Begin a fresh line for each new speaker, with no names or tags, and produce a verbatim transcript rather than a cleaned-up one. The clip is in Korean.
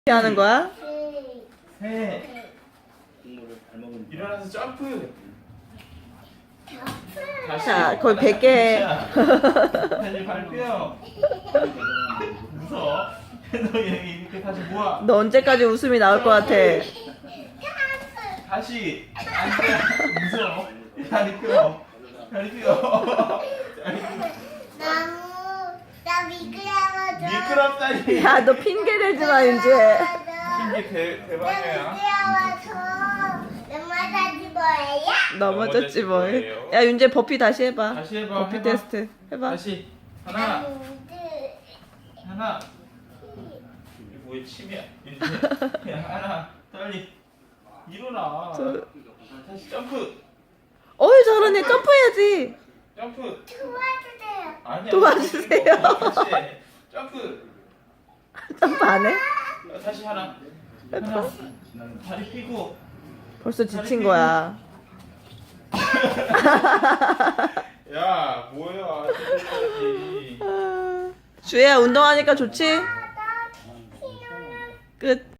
어떻게 하는 거야?
세. 일어나서 점프. 다시.
자, 거의 백 개 해.
다시 발표. 웃어. 너 여기 이렇게 다시 모아.
너 언제까지 웃음이 나올 것 같아?
다시. 앉아. 웃어. 다리 펴. 다리 펴. 다리 펴.
나무 나 미끄러워져.
미끄럽다니.
야, 너 핑계 대지 마, 이제.
신기 대
나
대박이야.
미끄러워서 넘어가지 뭐예요?
넘어졌지 뭘.
뭐예요?
야, 윤재 버피 다시 해봐.
다시 해봐.
버피
해봐.
테스트 해봐.
다시. 하나.
나무들
하나. 이게 뭐야 침이야. 야 하나. 빨리. 일어나.
저-
다시 점프.
어이, 저러네. 점프해야지.
점프.
도와주세요.
아니야.
도와주세요.
그렇지. 점프.
점프 안 해?
어, 다시 하나. 하나. 다리 펴고.
벌써 지친 거야.
야 뭐야. 지금까지.
주혜야, 운동하니까 좋지?
나 피어나.
끝.